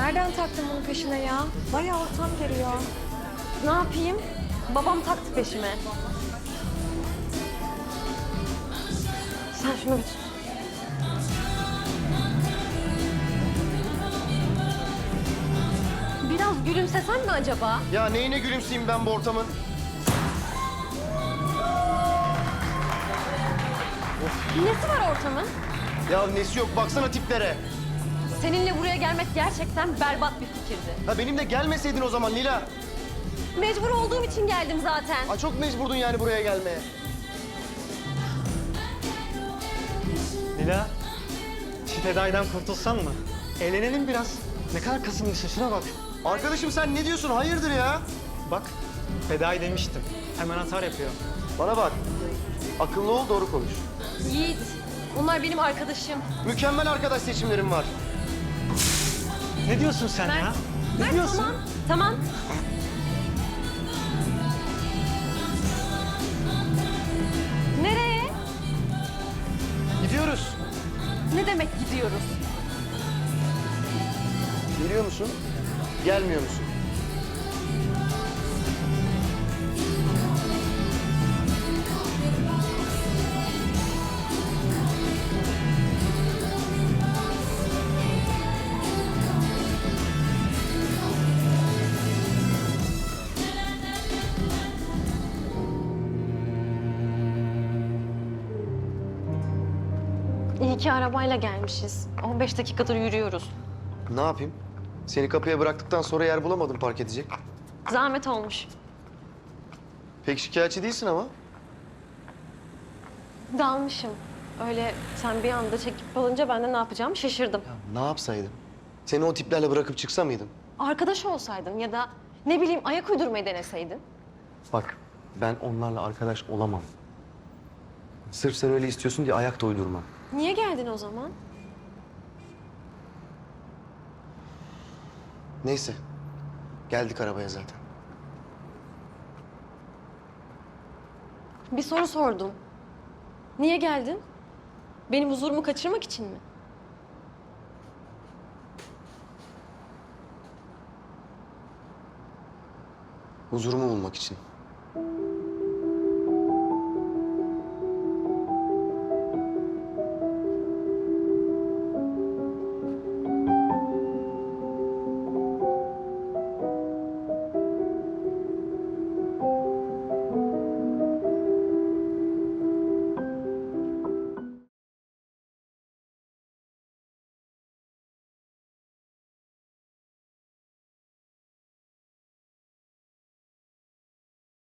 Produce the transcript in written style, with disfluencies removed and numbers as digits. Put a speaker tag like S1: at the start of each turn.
S1: Nereden taktın bunun peşine ya? Bayağı ortam geliyor. Ne yapayım? Babam taktı peşime. Sen şunu bir tut. Biraz gülümsesen mi acaba?
S2: Ya neyine gülümseyeyim ben bu ortamın?
S1: Nesi var ortamın?
S2: Ya nesi yok baksana tiplere.
S1: Seninle buraya gelmek gerçekten berbat bir fikirdi.
S2: Ha benimle gelmeseydin o zaman Lila.
S1: Mecbur olduğum için geldim zaten.
S2: Ha çok mecburdun yani buraya gelmeye.
S3: Lila, şu Fedai'den kurtulsan mı? Eğlenelim biraz. Ne kadar kasılmışsın, şuna bak.
S2: Arkadaşım sen ne diyorsun? Hayırdır ya?
S3: Bak, Fedai demiştim. Hemen atar yapıyor.
S2: Bana bak. Akıllı ol, doğru konuş.
S1: Yiğit, onlar benim arkadaşım.
S2: Mükemmel arkadaş seçimlerim var.
S3: Ne diyorsun sen ya? Ne
S1: Mert,
S3: diyorsun?
S1: tamam, tamam. Nereye?
S2: Gidiyoruz.
S1: Ne demek gidiyoruz?
S2: Geliyor musun? Gelmiyor musun?
S1: İyi ki arabayla gelmişiz. 15 dakikadır yürüyoruz.
S2: Ne yapayım? Seni kapıya bıraktıktan sonra yer bulamadım park edecek.
S1: Zahmet olmuş.
S2: Pek şikayetçi değilsin ama.
S1: Dalmışım. Öyle sen bir anda çekip alınca ben de ne yapacağımı şaşırdım.
S2: Ne yapsaydım? Seni o tiplerle bırakıp çıksa mıydım?
S1: Arkadaş olsaydın ya da ne bileyim ayak uydurmayı deneseydin.
S2: Bak, ben onlarla arkadaş olamam. Sırf sen öyle istiyorsun diye ayak da uydurmam.
S1: Niye geldin o zaman?
S2: Neyse, geldik arabaya zaten.
S1: Bir soru sordum. Niye geldin? Benim huzurumu kaçırmak için mi?
S2: Huzurumu bulmak için.